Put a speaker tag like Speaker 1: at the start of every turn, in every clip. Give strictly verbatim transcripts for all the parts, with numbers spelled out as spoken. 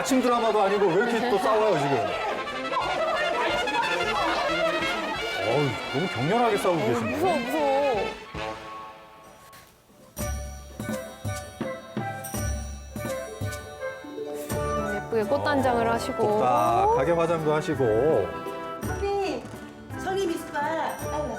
Speaker 1: 아침 드라마도 아니고 왜 이렇게 또 싸워요, 지금? 어우, 너무 격렬하게 싸우고 계시네.
Speaker 2: 무서워, 무서워. 예쁘게 꽃단장을 하시고.
Speaker 1: 똑딱하게 화장도 하시고.
Speaker 3: 선생님, 성님이 숟갈. 아이고,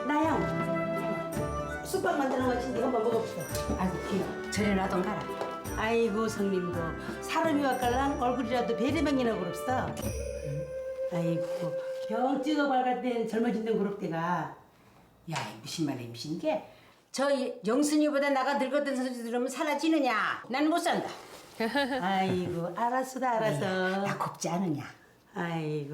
Speaker 3: 나영. 쑥밥 만드는 거 같은데 한번 먹어보세요. 아이고, 귀여워. 저리 놔둬 가라. 아이고, 성님도 사람이 와깔랑 얼굴이라도 베리맹이나 그럽어. 아이고, 경 찍어 밝을 땐 젊어진다고 그럽대가. 야, 무슨 말이야, 무슨 게? 저 영순이보다 나가 늙었던 소리 들으면 사라지느냐? 난 못 산다. 아이고, 알았어, 알았어. 나 곱지 않으냐? 아이고.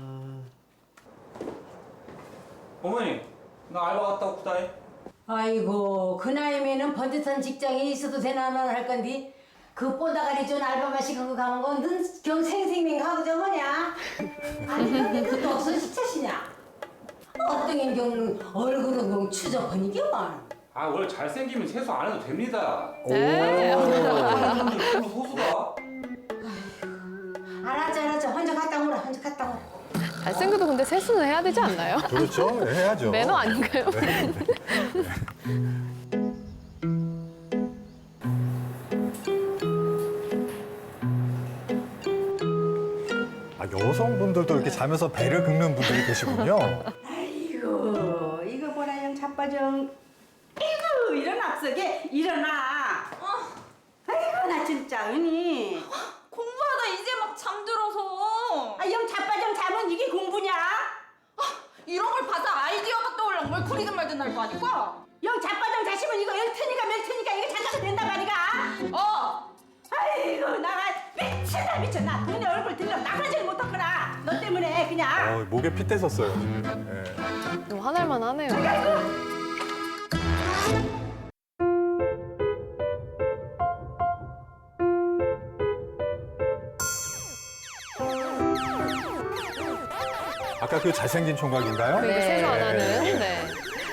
Speaker 4: 어머니, 나 알바 갔다 왔다 해.
Speaker 3: 아이고, 그 나이면은 번듯한 직장이 있어도 되나만 할 건디. 그 뽀다가리 좀 알바만 시키고 가는 건 넌 경 생생맹하고 저거냐? 아니, 근데 그것도 없어 시차시냐? 어떤 경 얼굴은 경 추적하니까.
Speaker 4: 아, 원래 잘생기면 세수 안 해도 됩니다.
Speaker 2: 네.
Speaker 4: 어머니, 별로 소수가?
Speaker 3: 알았죠, 알았죠. 혼자 갔다 오라, 혼자 갔다 오라.
Speaker 2: 잘생겨도 근데 세수는 해야 되지 않나요?
Speaker 1: 그렇죠. 네, 해야죠.
Speaker 2: 매너 아닌가요?
Speaker 1: 아, 여성분들도 이렇게 자면서 배를 긁는 분들이 계시군요.
Speaker 3: 아이고, 이거 보라 영 자빠정. 아이고, 일어나 앞서게 일어나. 아이고, 나 진짜 은희.
Speaker 5: 공부하다 이제 막 잠들어서.
Speaker 3: 아, 영 자빠정 자면 이게 공부냐?
Speaker 5: 이런 걸 봐서 아이디어가 떠올라. 뭘 그리든 말든 할 거 아니까?
Speaker 3: 영 자빠정 자시면 이거 열테니까 멜테니까 이거 잠깐 된다 말이가.
Speaker 5: 어!
Speaker 3: 아이고, 나가 미친다 미쳐. 나 너네 얼굴 들려 나가질 못하거나. 너 때문에 그냥.
Speaker 1: 어, 목에 핏 떼섰어요, 지금. 네.
Speaker 2: 너무 화날만 하네요.
Speaker 1: 아까 그 잘생긴 총각인가요?
Speaker 2: 그러니까 세수 안 하는. 네.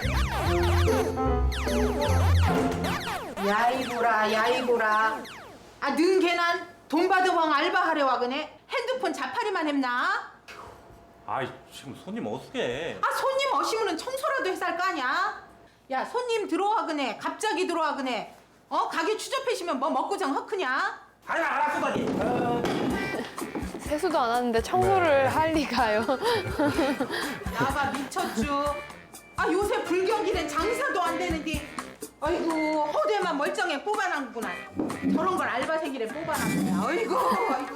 Speaker 6: 야이보라 야이보라 아 능개난 돈 받아왕 알바하려 와그네 핸드폰 자파리만 했나?
Speaker 4: 아이, 지금 손님 어떻게?
Speaker 6: 아 손님 어시면은 청소라도 해살 거 아냐? 야 손님 들어와 그네 갑자기 들어와 그네 어 가게 추접해시면 뭐 먹고장 헛크냐?
Speaker 4: 아니, 알았어, 다니.
Speaker 2: 세수도 안 하는데 청소를 할 리가요.
Speaker 6: 나봐 미쳤쥬 아 요새 불경기는 장사도 안 되는데 아이고 허대만 멀쩡해 뽑아놨구나 저런 걸 알바생이래 뽑아놨구나 아이고 아이고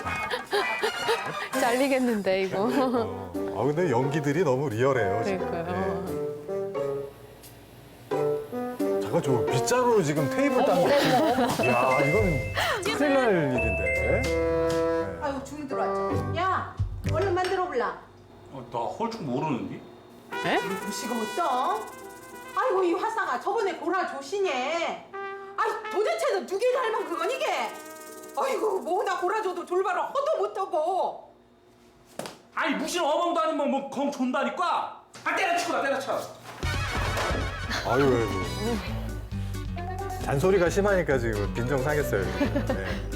Speaker 2: 잘리겠는데 이거.
Speaker 1: 아, 근데 연기들이 너무 리얼해요, 지금.
Speaker 2: 그러니까요.
Speaker 1: 네. 잠깐, 저 빗자루로 지금 테이블 닦는 거. 이야, 이건 큰일 날 일인데. 네.
Speaker 6: 아이고 주문 들어왔죠 야 얼른 만들어 볼라
Speaker 4: 어, 나 헐쭉 모르는데?
Speaker 6: 무시가 어떠? 아이고 이 화상아 저번에 고라 조시네 아이 도대체 너 누게 닮은 그건 이게 아이고 뭐나 고라줘도 졸바로 허도 못하고
Speaker 4: 아니, 무슨 어멍도 아니면 뭐, 검 존다니까? 아, 때려치고 나 때려쳐.
Speaker 1: 아유, 아이고. 잔소리가 심하니까 지금 빈정 상했어요. 지금. 네.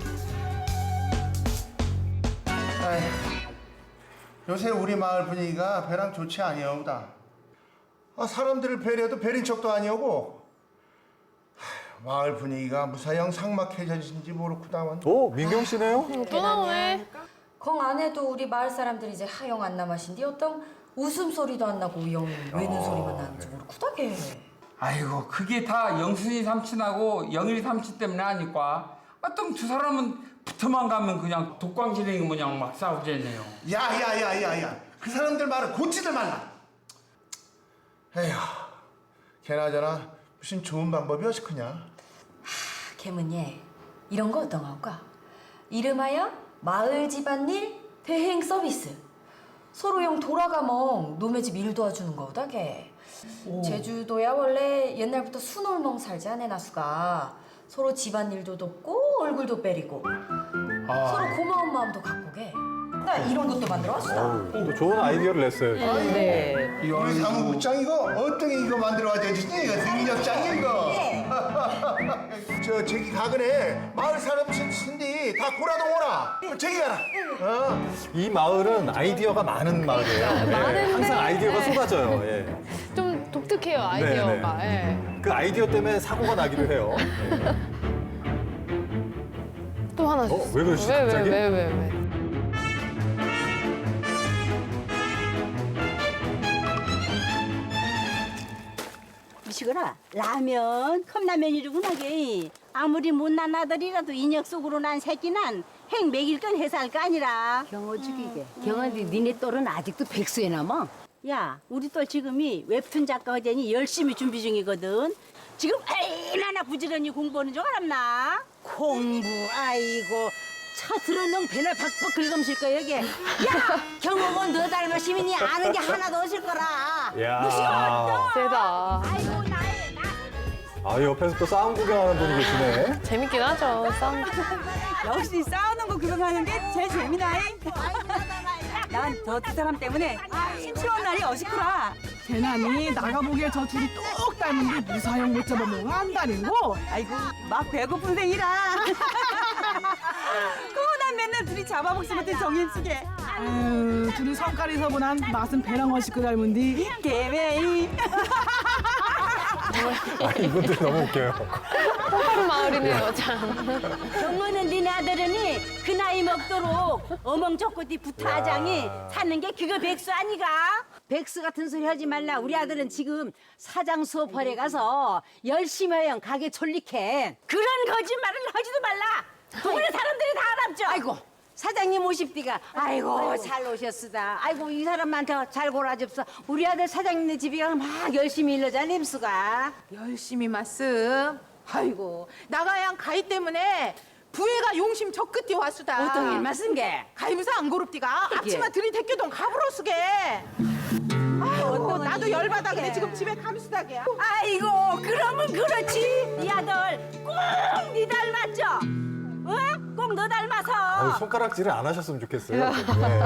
Speaker 7: 요새 우리 마을 분위기가 배랑 좋지 아니오다. 아, 사람들을 배려도 배린 척도 아니오고. 하, 마을 분위기가 무사형 삭막해졌는지 모르구다만.
Speaker 1: 오, 민경 씨네요?
Speaker 2: 또 나오네.
Speaker 8: 공 안에도 우리 마을 사람들이 이제 하영 안 남아신디 어떤 웃음소리도 안 나고 영 외는 소리만 나는지 모르구다게.
Speaker 9: 아이고 그게 다 영순이 삼촌하고 영일이 삼촌 때문에 아니까 어떤 두 사람은 붙어만 가면 그냥 독광지렁이 모양 막 싸우잖아요.
Speaker 7: 야야야야야. 그 사람들 말을 고치들 말라. 에휴. 걔나저나 무슨 좋은 방법이 어시크냐.
Speaker 8: 개문예 이런 거 어떤가? 이름하여 마을 집안일 대행 서비스. 서로 영 돌아가멍 노매 집 일 도와주는 거다게. 제주도야 원래 옛날부터 순홀멍 살지 않네 나수가. 서로 집안일도 돕고 얼굴도 빼리고 서로 고마운 마음도 갖고 게. 나 이런 것도 만들어 왔어.
Speaker 1: 어우, 또 좋은 아이디어를 냈어요. 지금.
Speaker 2: 네.
Speaker 7: 우리 사무국장 이거 어떻게 이거 만들어 와줬지? 이거 능력장이 이거. 저 저기 가근에 마을 사람 신디 다 고라동 오라. 저기 가라. 어.
Speaker 1: 이 마을은 아이디어가 많은 마을이에요. 예,
Speaker 2: 많은데.
Speaker 1: 항상 아이디어가 쏟아져요. 예.
Speaker 2: 좀 독특해요, 아이디어가. 예.
Speaker 1: 그 아이디어 때문에 사고가 나기도 해요.
Speaker 2: 또 하나
Speaker 1: 어,
Speaker 2: 주세요.
Speaker 1: 왜 그러시지,
Speaker 2: 왜,
Speaker 1: 갑자기?
Speaker 2: 왜, 왜, 왜, 왜.
Speaker 3: 미식어라 라면 컵라면이로구나 게 아무리 못난 아들이라도 인역 속으로 난 새끼는 행 먹일 건 해서 할 거 아니라 경호 죽이게 경호디 니네 딸은 아직도 백수에 남아 야 우리 딸 지금이 웹툰 작가 허전이 열심히 준비 중이거든 지금 얼마나 부지런히 공부하는 줄 알았나 공부 아이고 차 들어놓은 배날 박박 긁음실 거야 여기 야 경호는 너 닮은 시민이 아는 게 하나도 없을 거라
Speaker 1: 야.
Speaker 2: 세다.
Speaker 3: 아이고 나의 나
Speaker 1: 아, 옆에서 또 싸움 구경하는 분이 계시네.
Speaker 2: 재밌긴 하죠, 싸움.
Speaker 10: 역시 싸우는 거 구경하는 게 제일 재미나이. 난 저 두 사람 때문에 심심한 날이 어식구라.
Speaker 6: 재난이 나가보기에 저 둘이 똑 닮은데 무사형 못 잡아먹어 한다는 거.
Speaker 10: 아이고 막 배고픈 생이라. 그난 맨날 둘이 잡아먹지 못해 정인숙에.
Speaker 6: 아유, 둘이 성깔이 서분한 맛은 배랑 어식구 닮은디.
Speaker 10: 개매이.
Speaker 1: 아, 이분들 너무 웃겨요.
Speaker 2: 똑바로 마을이네요, 참.
Speaker 3: 경호는 니네 아들은이 그 나이 먹도록 어멍저꼬디 부타장이 사는 게 그거 백수 아니가? 백수 같은 소리 하지 말라. 우리 아들은 지금 사장 수업하러 가서 열심히 하영 가게 졸리게 그런 거짓말을 하지도 말라. 동네 사람들이 다 알았죠. 아이고 사장님 오십디가 아이고 잘 오셨으다. 아이고 이 사람한테 잘 골아줍서. 우리 아들 사장님네 집에 가면 막 열심히 일러자 냄수가.
Speaker 6: 열심히 말씀. 아이고 나가야 가이 때문에 부해가 용심 저 끝에 왔수다.
Speaker 3: 어떤 일 말씀 게?
Speaker 6: 가이무사 안 고릅디가 앞치마 들이대껴동 가불어수게. 아이고 나도 열받아 그래 지금 집에 감수다게.
Speaker 3: 아이고 그러면 그렇지. 네 아들 꼭 네 닮았죠? 어? 꼭 너 닮아서.
Speaker 1: 아유, 손가락질을 안 하셨으면 좋겠어요. 네.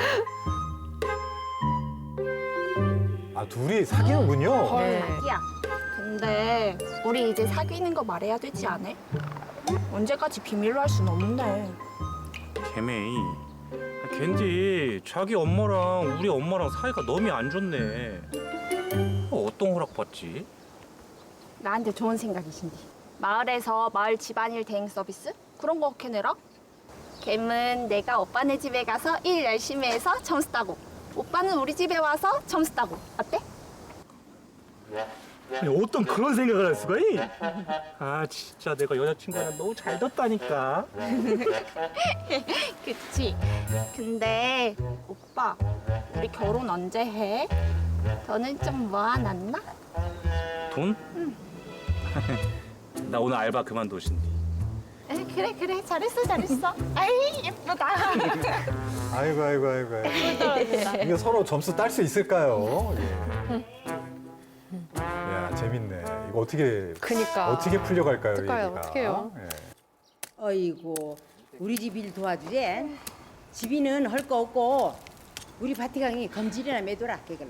Speaker 1: 아, 둘이 사귀는군요.
Speaker 5: 야, 근데 우리 이제 사귀는 거 말해야 되지 않아? 언제까지 비밀로 할 순 없는데.
Speaker 4: 개메이. 걘디 자기 엄마랑 우리 엄마랑 사이가 너무 안 좋네. 어, 어떤 허락 받지?
Speaker 5: 나한테 좋은 생각이신디. 마을에서 마을 집안일 대행 서비스? 그런 거 걔네라? 걔는 내가 오빠네 집에 가서 일 열심히 해서 점수 따고 오빠는 우리 집에 와서 점수 따고 어때?
Speaker 4: 아니, 어떤 그런 생각을 할 수가 있? 아 진짜 내가 여자친구랑 너무 잘 뒀다니까.
Speaker 5: 그치? 근데 오빠 우리 결혼 언제 해? 너는 좀 모아놨나?
Speaker 4: 돈? 응. 나 오늘 알바 그만두신디.
Speaker 5: 에, 그래 그래 잘했어 잘했어. 아이 예쁘다.
Speaker 1: 아이고, 아이고, 아이고. 아이고. 이게 서로 점수 딸 수 있을까요? 예. 야, 재밌네. 이거 어떻게,
Speaker 2: 그니까.
Speaker 1: 어떻게 풀려갈까요?
Speaker 2: 어떡해요,
Speaker 1: 얘기가?
Speaker 2: 어떡해요?
Speaker 1: 예.
Speaker 3: 어이구 우리 집 일 도와주제. 집이는 할 거 없고 우리 바티강이 검질이나 매도라 깨글라.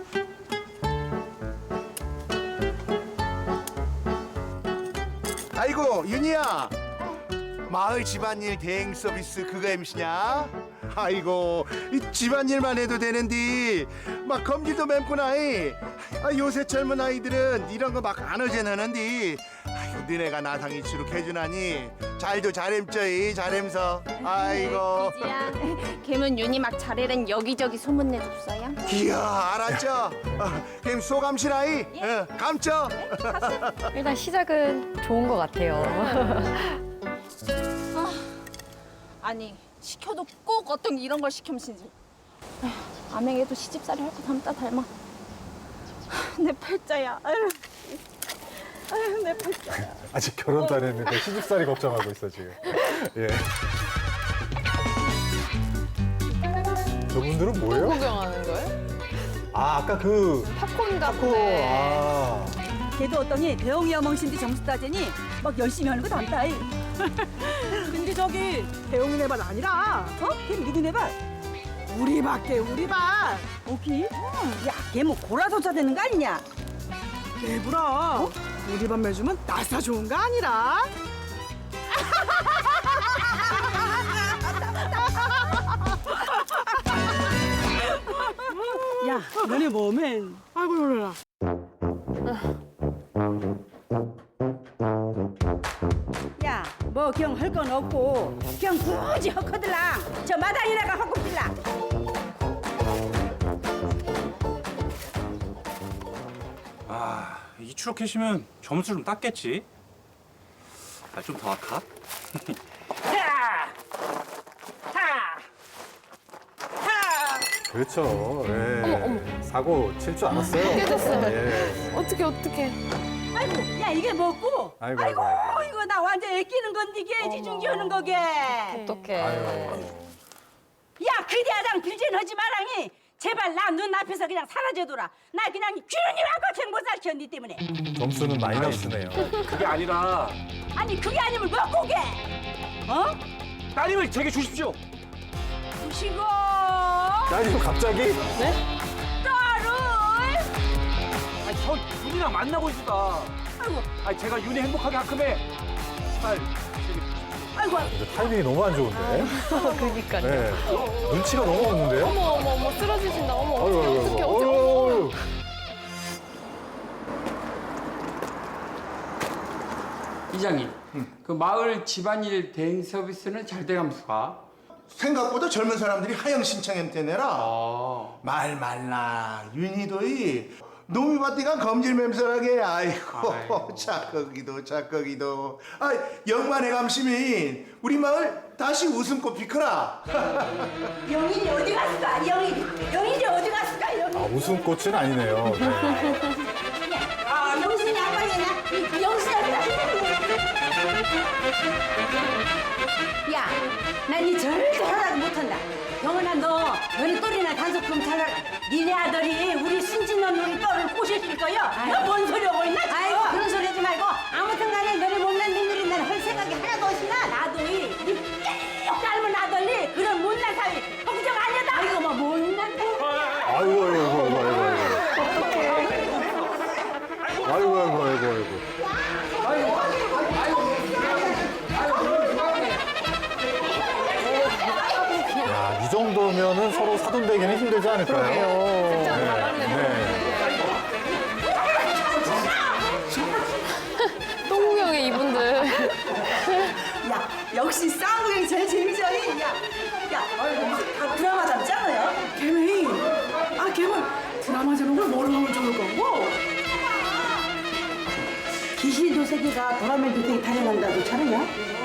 Speaker 7: 아이고 윤희야. 마을 집안일 대행 서비스 그거 엠씨냐? 아이고 이 집안일만 해도 되는데 막 검지도 맵구나. 이. 아, 요새 젊은 아이들은 이런 거 막 안 어제너는데 아이고 너네가 나상 이치로 해주나니 잘도 잘햄쩌이 잘햄서. 아이고
Speaker 5: 지야 걔는 윤이 막 잘해는 여기저기 소문내줬어요.
Speaker 7: 이야 알았죠? 아, 그럼 소감시라이 어, 감죠?
Speaker 2: 일단 시작은 좋은 것 같아요.
Speaker 5: 아니 시켜도 꼭 어떤 이런 걸 시켜면신지. 아맹에도 시집살이 할 거 닮다 닮아. 내 팔자야. 아유, 아유 내 팔자야.
Speaker 1: 아직 결혼도 안 했는데 시집살이 걱정하고 있어, 지금. 예. 저분들은
Speaker 2: 또
Speaker 1: 뭐예요?
Speaker 2: 구경하는 거예요?
Speaker 1: 아, 아까 그
Speaker 2: 팝콘
Speaker 1: 타코.
Speaker 2: 같네.
Speaker 1: 아.
Speaker 10: 걔도 어떠니 대웅이 어멍신디 점수 따지니 막 열심히 하는 거 닮다이.
Speaker 6: 근데 저기 대웅이네 반 아니라
Speaker 10: 어? 걔 누구네 봐?
Speaker 6: 우리 밖에 우리 반.
Speaker 10: 오키? 야, 걔 뭐 고라소자 되는 거 아니냐? 내부라. 우리 반 매주면 나사 좋은 거 아니라. 야, 너네 몸엔. 아이고 놀래라.
Speaker 3: 야, 뭐 경 할 건 없고 경 굳이 헛거들랑 저 마당이나가 헛고 빌라.
Speaker 4: 아, 이 추록해시면 점수 좀 땄겠지. 아, 좀 더 할까?
Speaker 1: 그렇죠. 예. 사고 칠 줄 알았어요.
Speaker 2: 깨졌어요.
Speaker 1: 예.
Speaker 2: 어떻게 어떻게?
Speaker 3: 아이고, 야 이게 뭐고?
Speaker 1: 아이고, 아이고, 아이고.
Speaker 3: 이거 나 완전 애끼는 건데 이게 지중지하는 거게.
Speaker 2: 어떡해.
Speaker 1: 아유.
Speaker 3: 야, 그대야당 빌진하지 마랑이. 제발 나 눈앞에서 그냥 사라져둬라. 나 그냥 귀는이 와거창 못 살켜 니 때문에.
Speaker 1: 점수는 마이너스네요.
Speaker 4: 그게 아니라
Speaker 3: 아니 그게 아니면 뭐 고게? 어?
Speaker 4: 따님을 제게 주십시오.
Speaker 3: 부시고
Speaker 1: 야, 이거 갑자기?
Speaker 3: 딸을.
Speaker 4: 아니, 저 윤이랑 만나고 있다.
Speaker 3: 아이고,
Speaker 4: 아니, 제가 윤이 행복하게 하큼에 딸 제게
Speaker 3: 아이고.
Speaker 1: 근데 타이밍이 너무 안 좋은데?
Speaker 2: 그니까요.
Speaker 1: 네. 눈치가 너무 없는데요?
Speaker 2: 어머 어머 어머 쓰러지신다. 어머
Speaker 1: 아이고,
Speaker 2: 어떡해
Speaker 1: 아이고,
Speaker 2: 어떡해
Speaker 1: 아이고.
Speaker 2: 어떡해.
Speaker 1: 어이구.
Speaker 9: 이장님, 그 마을 집안일 대행 서비스는 잘 돼가면서가?
Speaker 7: 생각보다 젊은 사람들이 하영 신청했 때내라.
Speaker 9: 아,
Speaker 7: 말 말라 윤희도이 놈이 바디가 검질 맴설하게. 아이고,
Speaker 9: 아이고.
Speaker 7: 착거기도 착거기도. 아, 영만의 감시민 우리 마을 다시 웃음꽃 피크라.
Speaker 3: 영인이 어디 갔을까? 영인, 영인이 어디 갔을까? 영인.
Speaker 1: 아, 웃음꽃은 아니네요. 네.
Speaker 3: 아, 영신이 양반이냐? 영신이 어디 갔을까? 야, 난 니 절대 허락 못한다. 영은아, 너 너네 딸이나 단속 좀 잘하라. 니네 아들이 우리 순진놈 우리 딸을 꼬셨을 거야. 너 뭔 소리 하고 있나? 아이고, 그런 소리 하지 말고 아무튼간에 너네 못난 민들이 난 할 생각이 하나도 없이나 나도 이니 닮은 아들이 그런 못난 사위 걱정 아니다. 아이고, 뭐 못난 사위.
Speaker 1: 아이고, 아이고, 아이고, 아이고. 아이고, 아이고, 아이고, 아이고. 야, 이 정도면은 서로 사돈되기는 힘들지 않을까요?
Speaker 2: 진짜
Speaker 1: 네,
Speaker 2: 잘하네.
Speaker 1: 네.
Speaker 2: 똥구경에 이분들.
Speaker 10: 야, 역시 싸움이 제일 재미져. 야, 야, 다 드라마 잡잖아요. 개미. 아, 개미. 드라마 제목을 뭐로 하면 좋을 거고?
Speaker 3: 귀신 도세기가 도라멜 도생이 타령한다도 차르냐?